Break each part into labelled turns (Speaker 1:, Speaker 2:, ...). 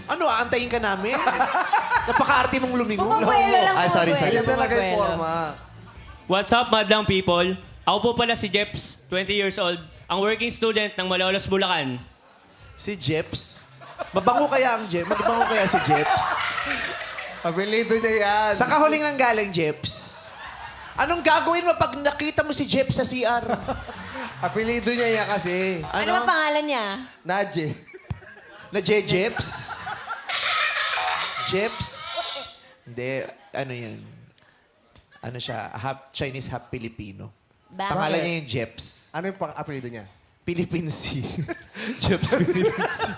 Speaker 1: Ano, aantayin ka namin? Napaka-arte mong lumingon.
Speaker 2: Bumabuelo lang,
Speaker 1: Ay, sorry.
Speaker 3: Ayan
Speaker 2: bumabuelo.
Speaker 3: talaga yung forma.
Speaker 4: What's up, madlang people? Ako po pala si Jeps, 20 years old, ang working student ng Malolos, Bulacan.
Speaker 1: Si Jeps. Mabango kaya ang Jeps? Mabango kaya si Jeps?
Speaker 3: Apelido niya yan.
Speaker 1: Sa kahuling nang galing, Jeps? Anong gagawin mo pag nakita mo si Jeps sa CR?
Speaker 3: Apelido niya yan kasi.
Speaker 2: Ano ba pangalan niya?
Speaker 3: Nadje.
Speaker 1: Na Jeps? Jeps? Hindi, ano yan? Ano siya? Half Chinese, half Filipino.
Speaker 2: Bakit?
Speaker 1: Pangalan niya yung Jeps.
Speaker 3: Ano yung apelido niya?
Speaker 1: Philippine Sea. Jeps Philippine Sea.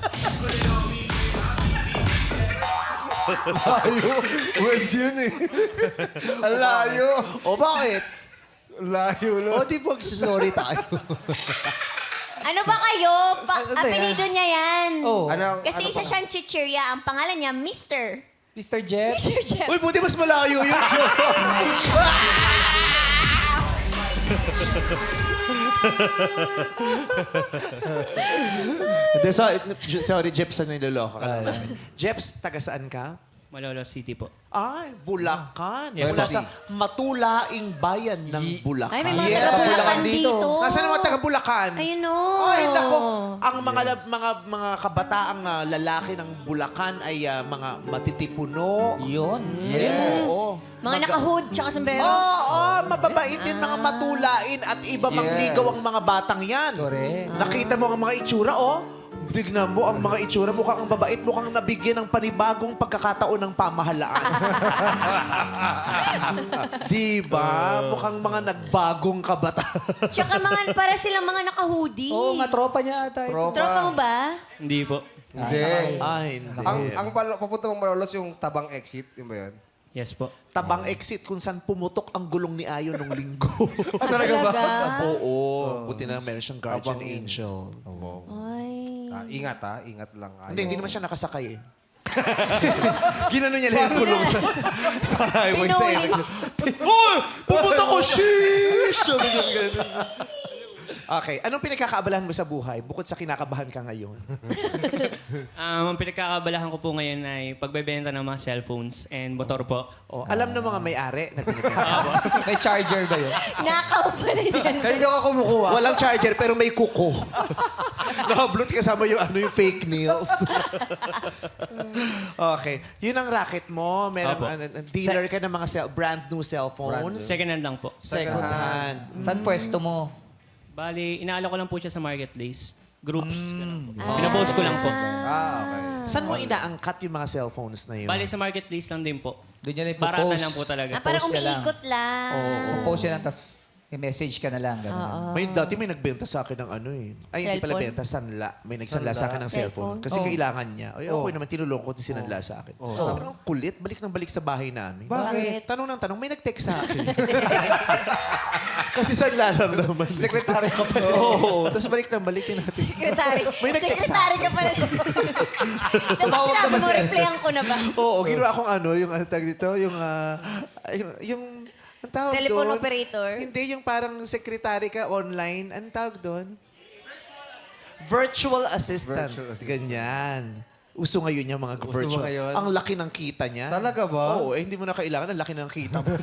Speaker 3: Layo. West yun eh. Ang layo.
Speaker 1: O bakit?
Speaker 3: Layo, lo.
Speaker 1: O di ba sorry tayo?
Speaker 2: Ano ba kayo?
Speaker 5: Ano ba yan?
Speaker 2: Apelido niya yan.
Speaker 5: Oh,
Speaker 2: Kasi isa siyang chichirya. Ang pangalan niya, Mr.
Speaker 5: Mr. Jeff.
Speaker 2: Mr. Jeff.
Speaker 1: Uy, buti mas malayo yun, Joe. Hindi, sorry, Jeps, na niloloko ka naman. Jeps, taga saan ka?
Speaker 4: Malolos City po.
Speaker 1: Ay, Bulacan.
Speaker 4: Yes,
Speaker 1: Mula
Speaker 4: po.
Speaker 1: sa matulaing bayan ng Bulacan.
Speaker 2: Ay, may mga
Speaker 3: Yeah,
Speaker 2: taga-Bulacan
Speaker 5: dito.
Speaker 2: dito.
Speaker 1: Nasaan ang mga taga Bulacan?
Speaker 2: Ayun o.
Speaker 1: Ay, nako. Ang mga kabataang lalaki ng Bulacan ay mga matitipuno.
Speaker 5: Yun.
Speaker 1: Oo.
Speaker 2: Mga naka-hood tsaka sombrero.
Speaker 1: Oo, mababaitin, mga matulain at iba mangligaw ang mga batang yan.
Speaker 5: Correct.
Speaker 1: Nakita mo ang mga itsura, oh. Tignan mo ang mga itsura, mukhang ang babait, mukhang nabigyan ng panibagong pagkakataon ng pamahalaan. Diba? Mukhang mga nagbagong kabataan.
Speaker 2: Tsaka para silang mga naka-hoodie.
Speaker 5: Oo, nga tropa niya ata. ito.
Speaker 2: Tropa mo ba?
Speaker 4: Hindi po.
Speaker 3: Hindi.
Speaker 1: Ay, hindi.
Speaker 3: Ang papunta mong Malolos yung tabang exit, yun ba yun?
Speaker 4: Yes po.
Speaker 1: Tabang exit kung saan pumutok ang gulong ni Ayon nung linggo.
Speaker 2: Talaga ba?
Speaker 1: Oo. Buti na meron siyang guardian
Speaker 3: Tabang
Speaker 1: angel.
Speaker 2: Ay.
Speaker 3: Ingat ingat lang.
Speaker 1: Hindi naman siya nakasakay eh. Ginano niya lang yung gulong sa highway sa
Speaker 2: Pinuli.
Speaker 1: exit. Uy! Pumunta ko! Sheesh! Sabi niya ganun. Okay. Anong pinagkakaabalahan mo sa buhay bukod sa kinakabahan ka ngayon?
Speaker 4: Ang pinagkakabalahan ko po ngayon ay pagbebenta ng mga cellphones and motor po.
Speaker 1: Oh, alam ng mga may-ari na pinipenta.
Speaker 5: May charger ba yun?
Speaker 2: Nakaw pala dyan.
Speaker 3: Kanino ka kumukuha?
Speaker 1: Walang charger pero may kuko. Nakablot kasama yung fake nails. Okay. Yun ang racket mo. Merong
Speaker 4: Apo.
Speaker 1: dealer ka ng mga brand new cellphones.
Speaker 4: Second hand lang po.
Speaker 1: Second hand.
Speaker 5: Saan pwesto mo?
Speaker 4: Bali, inaalo ko lang po siya sa marketplace. Groups. Ganun po. Pinapost ko lang po.
Speaker 3: Okay.
Speaker 1: Saan mo inaangkat yung mga cellphones na yun?
Speaker 4: Bali, sa marketplace lang din po.
Speaker 5: Doon niya na
Speaker 4: Barata
Speaker 5: ipopost.
Speaker 4: lang po talaga.
Speaker 2: Parang
Speaker 5: Post ka lang.
Speaker 2: umiikot lang.
Speaker 5: Post yan, tapos i-message ka na lang. Ganun.
Speaker 1: Dati may nagbenta sa akin ng ano eh. Ay, hindi pala
Speaker 2: Cellphone?
Speaker 1: benta, sanla. May nagsanla sa akin ng cellphone. Kasi kailangan niya. Ay, ako naman tinulong ko, sinanla sa akin. Pero ang kulit, balik ng balik sa bahay namin.
Speaker 2: Bakit?
Speaker 1: Tanong ng tanong, may nag-text sa akin. Kasi sanla lang naman.
Speaker 5: Secretary ka pa.
Speaker 1: Oo. Tapos balik ng balikin natin.
Speaker 2: Secretary.
Speaker 1: May nag-text sa
Speaker 2: Secretary ka pala. Dapat
Speaker 5: Tumawag ka
Speaker 2: sinabi
Speaker 5: ba
Speaker 2: mo,
Speaker 5: siya?
Speaker 2: replyan ko na ba?
Speaker 1: Oo, ginawa akong ano, yung ano tag dito, yung ang tawag
Speaker 2: Telephone
Speaker 1: doon?
Speaker 2: operator?
Speaker 1: Hindi, yung parang secretary ka online. Ang tawag doon? Virtual assistant.
Speaker 3: Virtual assistant.
Speaker 1: Ganyan. Uso ngayon yung mga
Speaker 3: Uso
Speaker 1: virtual.
Speaker 3: ngayon?
Speaker 1: Ang laki ng kita niya.
Speaker 3: Talaga ba?
Speaker 1: Oo, hindi mo na kailangan. Ang laki ng kita mo.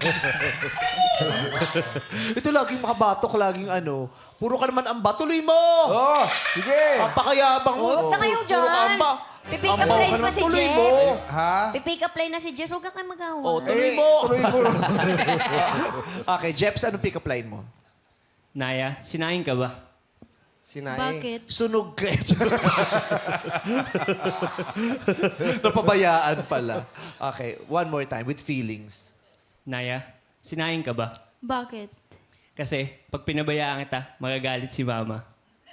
Speaker 1: Ito laging makabatok, laging ano. Puro ka naman amba. Tuloy mo!
Speaker 3: Oh, sige.
Speaker 1: Ang pakayabang mo.
Speaker 2: Huwag na kayo
Speaker 1: Puro ka
Speaker 2: dyan.
Speaker 1: amba.
Speaker 2: Pipick up
Speaker 1: Ambaw
Speaker 2: line
Speaker 1: ka
Speaker 2: pa
Speaker 1: naman.
Speaker 2: si
Speaker 1: Tuloy
Speaker 2: Jeff.
Speaker 1: mo.
Speaker 3: Ha?
Speaker 2: Pipick up line na si Jess. Huwag ka kayo magawa.
Speaker 1: Oh, tuloy mo.
Speaker 3: Tuloy mo.
Speaker 1: Okay, Jeps, anong pick-up line mo?
Speaker 4: Naya, sinaing ka ba?
Speaker 3: Sinaing.
Speaker 1: Sunog ka. Napabayaan pala. Okay, one more time with feelings.
Speaker 4: Naya, sinaing ka ba?
Speaker 6: Bakit?
Speaker 4: Kasi pag pinabayaan kita, magagalit si mama.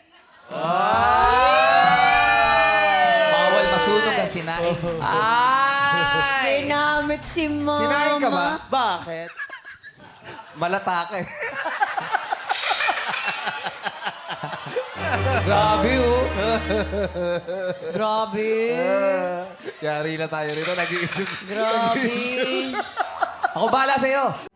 Speaker 5: Bawal masunog ang sinain.
Speaker 1: Ay!
Speaker 2: Ginamit si mama.
Speaker 3: Sinaing ka ba?
Speaker 1: Bakit?
Speaker 3: Malatake.
Speaker 5: Grabe, oh.
Speaker 2: Grabe.
Speaker 3: Yari na tayo rito. Nag-iisip.
Speaker 2: Grabe.
Speaker 5: Ako bahala sa'yo.